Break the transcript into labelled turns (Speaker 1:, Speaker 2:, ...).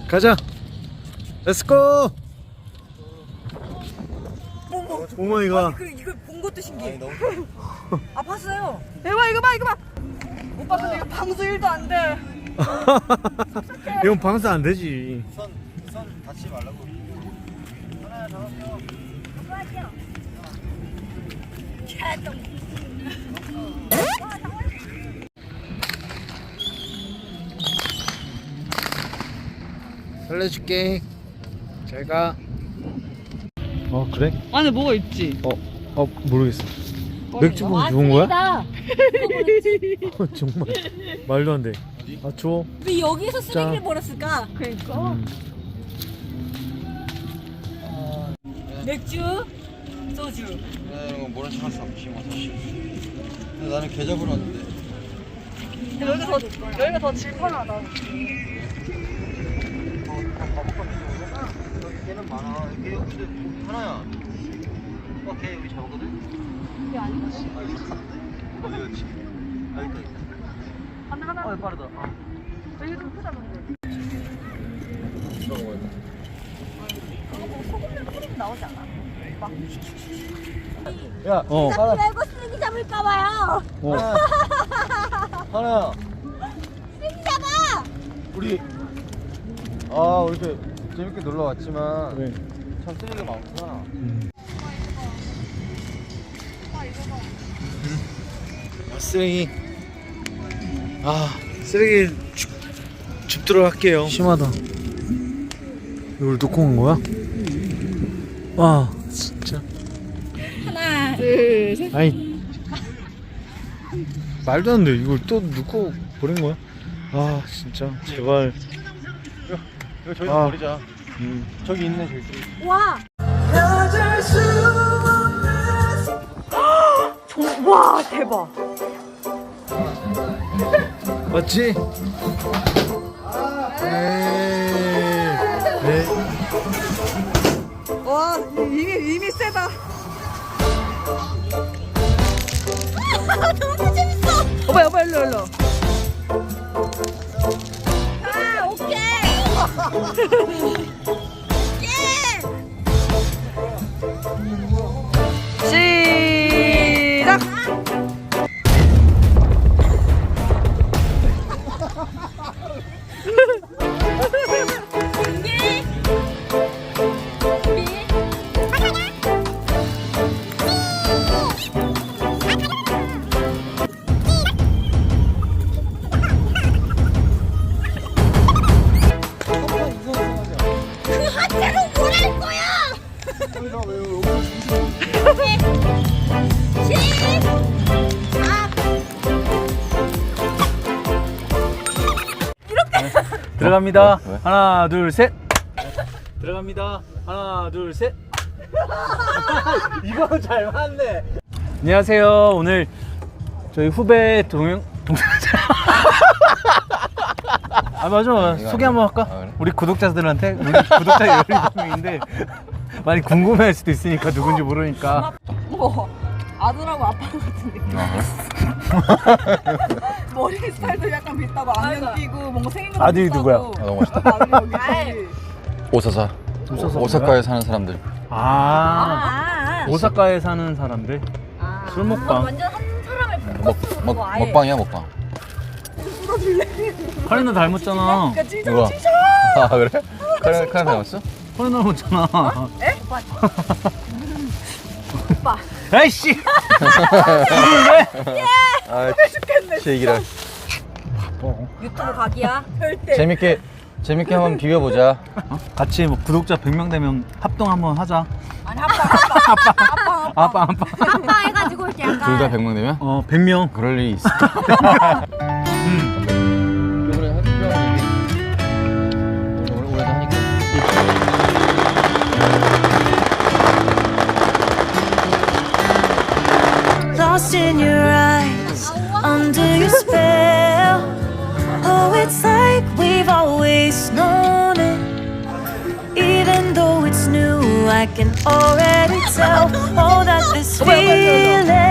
Speaker 1: 가자. 렛츠고. 어머니가
Speaker 2: 이거 본 것도 신기해. 아 봤어요. 대박 이거 봐 이거 봐. 오빠 근데 이거 방수 1도 안 돼.
Speaker 1: 이건 방수 안 되지.
Speaker 3: 선 닫지 말라고. 하나 잡았어.
Speaker 1: 살려줄게. 잘 가. 그래?
Speaker 2: 안에 뭐가 있지?
Speaker 1: 모르겠어. 맥주봉 좋은 거야? 정말 말도 안 돼. 줘.
Speaker 2: 왜 여기서 쓰레기를
Speaker 1: 자.
Speaker 2: 버렸을까? 그러니까. 맥주, 소주.
Speaker 3: 이거 모른 척할 수 없지 뭐 사실. 근데 나는 계좌번호 왔는데.
Speaker 2: 여기가 더 질펀하다.
Speaker 3: 걔는 많아. 걔 근데 하나야. 걔 여기 잡았거든.
Speaker 2: 이게 아닌가?
Speaker 3: 어디 갔지? 아 있다.
Speaker 2: 하나.
Speaker 3: 빠르다.
Speaker 2: 여기 좀 크다 근데.
Speaker 3: 이거 뭐야?
Speaker 2: 뭐 소금물 뿌리면 나오지 않아?
Speaker 3: 야,
Speaker 2: 자꾸 말고 쓰레기 잡을까봐요.
Speaker 3: 하나야.
Speaker 2: 쓰레기 잡아.
Speaker 3: 우리 이렇게 재밌게 놀러 왔지만
Speaker 1: 네.
Speaker 3: 참 쓰레기가 많구나.
Speaker 1: 쓰레기. 쓰레기 줍도록 할게요. 심하다. 이걸 놓고 온 거야? 와, 진짜.
Speaker 2: 하나, 둘, 셋.
Speaker 1: 아니, 말도 안 돼. 이걸 또 놓고 버린 거야? 진짜. 제발.
Speaker 3: 이거 저기서
Speaker 1: 아.
Speaker 3: 버리자. 저기 있네 저기 쓰레기.
Speaker 2: 와. 와 대박.
Speaker 1: 맞지? 네.
Speaker 2: 와 이미 세다. 너무 재밌어. 오빠 일로. 오케이. 시작. 그 하체로 뭘 할 거야?
Speaker 1: 들어갑니다. 하나, 둘, 셋. 들어갑니다. 하나, 둘, 셋. 이거 잘 맞네. 안녕하세요. 오늘 저희 후배 동생. 맞아. 소개 한번 할까?
Speaker 3: 그래?
Speaker 1: 우리 구독자들한테. 우리 구독자 17명인데 많이 궁금해할 수도 있으니까 누군지 모르니까.
Speaker 2: 뭐 아들하고 아빠 같은 느낌. 머리 스타일도 약간 비슷하고 안경 끼고 뭔가 생긴 것도
Speaker 1: 아들이
Speaker 2: 비슷하고.
Speaker 1: 누구야?
Speaker 3: 너무 멋있다.
Speaker 2: 아들이 여기 있지.
Speaker 3: 오사사. 오사카에 사는 사람들.
Speaker 1: 오사카에 사는 사람들. 술 먹방.
Speaker 2: 완전 한 사람을
Speaker 3: 먹방이야 먹방.
Speaker 1: 카레나 닮았잖아.
Speaker 2: 그러니까 찢어
Speaker 3: 누가?
Speaker 2: 찢어.
Speaker 3: 아 그래? 카레 닮았어?
Speaker 1: 카레 닮았잖아.
Speaker 2: 에? 오빠.
Speaker 1: 에이씨.
Speaker 3: 아 제 얘기라.
Speaker 2: 유튜브 각이야. 절대.
Speaker 3: 재밌게 한번 비벼보자.
Speaker 1: 같이 뭐 구독자 100명 되면 합동 한번 하자.
Speaker 2: 아니 아빠.
Speaker 1: 아빠.
Speaker 2: 아빠 해가지고 이렇게 약간.
Speaker 3: 둘 다 100명 되면?
Speaker 1: 100명.
Speaker 3: 그럴 일이 있어. 이번에 학교랑 얘기. 오래도 하니까.
Speaker 4: Lost in your eyes, under your spell. Oh, it's like we've always known it. Even though it's new, I can already tell. Oh, that this feeling